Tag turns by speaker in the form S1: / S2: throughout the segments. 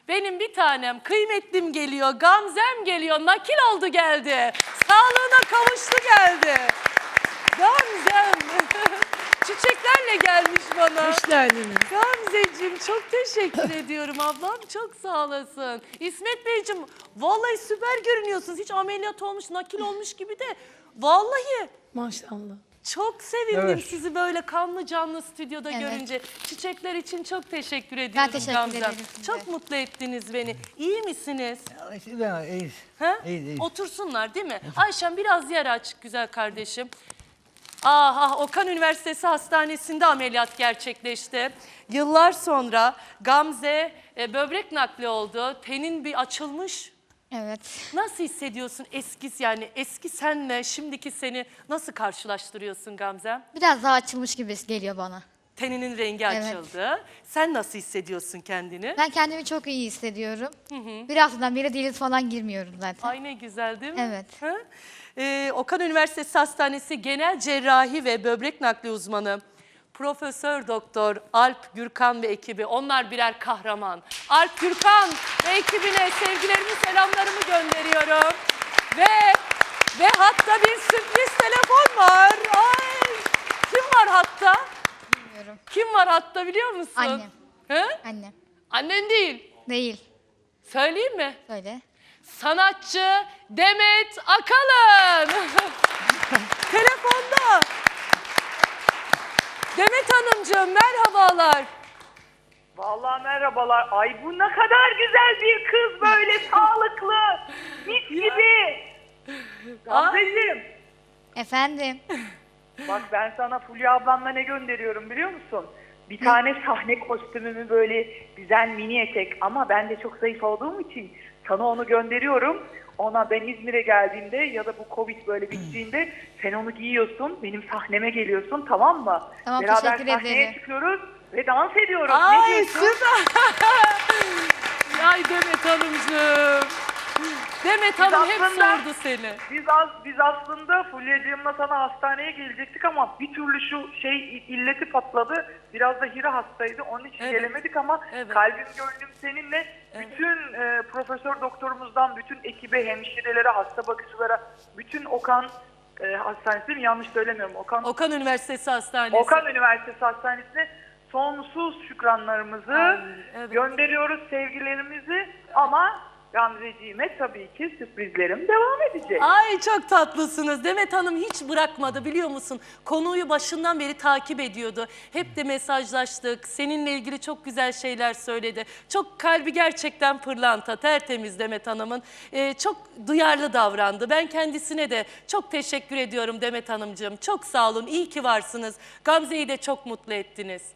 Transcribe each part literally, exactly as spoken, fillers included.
S1: Benim bir tanem, kıymetlim geliyor, Gamzem geliyor, nakil oldu geldi. Sağlığına kavuştu geldi. Gamzem. Çiçeklerle gelmiş bana.
S2: Hoş geldiniz.
S1: Gamzeciğim çok teşekkür ediyorum ablam. Çok sağ olasın. İsmet Beyciğim vallahi süper görünüyorsunuz. Hiç ameliyat olmuş, nakil olmuş gibi de. Vallahi
S2: Maşallah.
S1: çok sevindim
S3: Evet.
S1: sizi böyle kanlı canlı stüdyoda
S4: Evet.
S1: görünce. Çiçekler için çok teşekkür ediyorum
S4: teşekkür
S1: Gamzem.
S4: ederim size.
S1: Çok mutlu ettiniz beni. İyi misiniz?
S3: İşte ben iyiyiz.
S1: Ha?
S3: İyiyiz, iyiyiz.
S1: Otursunlar değil mi? Ayşem biraz yer aç güzel kardeşim. Ah, ah Okan Üniversitesi Hastanesi'nde ameliyat gerçekleşti. Yıllar sonra Gamze e, böbrek nakli oldu. Tenin bir açılmış.
S4: Evet.
S1: Nasıl hissediyorsun eski yani eski senle şimdiki seni nasıl karşılaştırıyorsun Gamzem?
S4: Biraz daha açılmış gibi geliyor bana.
S1: Teninin rengi
S4: Evet.
S1: açıldı. Sen nasıl hissediyorsun kendini?
S4: Ben kendimi çok iyi hissediyorum. Bir haftadan beri diyaliz falan girmiyorum zaten.
S1: Ay ne güzel değil mi?
S4: Evet.
S1: Ha? Ee, Okan Üniversitesi Hastanesi Genel Cerrahi ve Böbrek Nakli Uzmanı Profesör Doktor Alp Gürkan ve ekibi, onlar birer kahraman. Alp Gürkan ve ekibine sevgilerimi, selamlarımı gönderiyorum. Ve ve hatta bir sürpriz telefon var. Ay! Kim var hatta?
S4: Bilmiyorum.
S1: Kim var hatta biliyor musun?
S4: Annem.
S1: He?
S4: Annem.
S1: Annen değil.
S4: Değil.
S1: Söyleyeyim mi?
S4: Söyle.
S1: Sanatçı Demet Akalın. Telefonda. Demet Hanımcığım merhabalar.
S5: Vallahi merhabalar. Ay bu ne kadar güzel bir kız böyle sağlıklı. Mis gibi. Gamzeciğim.
S4: Efendim.
S5: Bak ben sana Fulya ablamla ne gönderiyorum biliyor musun? Bir tane sahne kostümümü böyle güzel mini etek ama ben de çok zayıf olduğum için sana onu gönderiyorum. Ona ben İzmir'e geldiğimde ya da bu Covid böyle bittiğinde sen onu giyiyorsun, benim sahneme geliyorsun, tamam mı?
S4: Tamam,
S5: Beraber
S4: teşekkür
S5: sahneye
S4: ederim.
S5: çıkıyoruz ve dans ediyoruz. Ne
S1: Ay
S5: diyorsun?
S1: süper. Ay Demet Hanımcığım. Demet Hanım hep
S5: aslında-
S1: sordu seni.
S5: Biz az biz aslında Fulya'cığımla sana hastaneye gelecektik ama bir türlü şu şey illeti patladı. Biraz da Hira hastaydı. Onun için
S1: Evet.
S5: gelemedik ama
S1: Evet.
S5: kalbim gönlüm seninle. Bütün e, profesör doktorumuzdan bütün ekibe, hemşirelere, hasta bakıcılara, bütün Okan e, hastanesi değil mi? Yanlış söylemiyorum. Okan
S1: Okan Üniversitesi Hastanesi.
S5: Okan Üniversitesi Hastanesi'ne sonsuz şükranlarımızı
S1: Ay, evet.
S5: gönderiyoruz, sevgilerimizi ama Gamzeciğime tabii ki sürprizlerim devam edecek.
S1: Ay çok tatlısınız. Demet Hanım hiç bırakmadı biliyor musun? Konuyu başından beri takip ediyordu. Hep de mesajlaştık. Seninle ilgili çok güzel şeyler söyledi. Çok kalbi gerçekten pırlanta, tertemiz Demet Hanım'ın. Ee, çok duyarlı davrandı. Ben kendisine de çok teşekkür ediyorum Demet Hanımcığım. Çok sağ olun, iyi ki varsınız. Gamze'yi de çok mutlu ettiniz.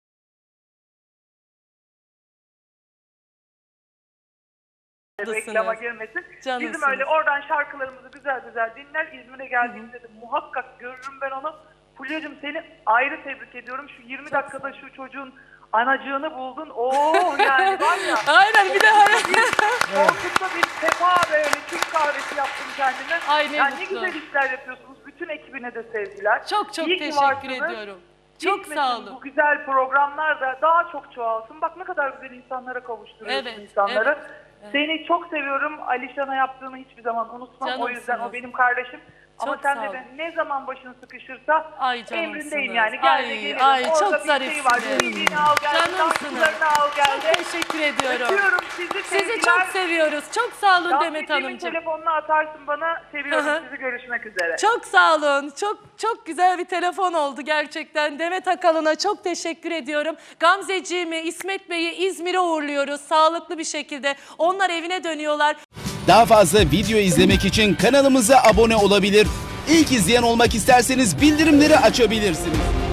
S5: Reklama girmesin.
S1: Canımsınız.
S5: Bizim öyle oradan şarkılarımızı güzel güzel dinler. İzmir'e geldiğimde de muhakkak görürüm ben onu. Fulya'cığım seni ayrı tebrik ediyorum. Şu yirmi dakikada şu çocuğun anacığını buldun. Oo yani var ya.
S1: Aynen bir de
S5: Koltukta bir sefa böyle Türk kahvesi yaptım kendime.
S1: Ay, ne
S5: yani ne
S1: mutlu.
S5: güzel işler yapıyorsunuz. Bütün ekibine de sevgiler.
S1: çok çok
S5: İyi ki
S1: teşekkür
S5: varsınız.
S1: ediyorum. Çok
S5: Bitmesin
S1: sağ olun.
S5: Bu güzel programlar da daha çok çoğalsın. Bak ne kadar güzel insanlara kavuşturuyorsun
S1: Evet,
S5: insanları.
S1: evet, evet.
S5: Seni çok seviyorum. Alişan'a yaptığını hiçbir zaman unutmam. O yüzden
S1: Canımsınız.
S5: o benim kardeşim. Ama
S1: Çok
S5: sen
S1: sağ
S5: de,
S1: olun.
S5: de ne zaman başın sıkışırsa
S1: Ay canımsınız.
S5: emrindeyim yani. Gel de
S1: Ay,
S5: gelirim.
S1: ay,
S5: Orada
S1: çok
S5: bir şey
S1: zarifsiniz.
S5: var. C D'ni al gel.
S1: Canımsınız.
S5: Dansçılarını al gel de.
S1: Çok teşekkür ediyorum.
S5: Öpüyorum sizi.
S1: Sizi
S5: sevgiler.
S1: çok seviyoruz. Çok sağ olun Demet
S5: Gamzeciğimin
S1: Hanımcığım.
S5: telefonunu atarsın bana. Seviyorum
S1: Hı hı.
S5: sizi. Görüşmek üzere.
S1: Çok sağ olun. Çok çok güzel bir telefon oldu gerçekten. Demet Akalın'a çok teşekkür ediyorum. Gamzeciğimi, İsmet Bey'i İzmir'e uğurluyoruz sağlıklı bir şekilde. Onlar evine dönüyorlar.
S6: Daha fazla video izlemek için kanalımıza abone olabilir. İlk izleyen olmak isterseniz bildirimleri açabilirsiniz.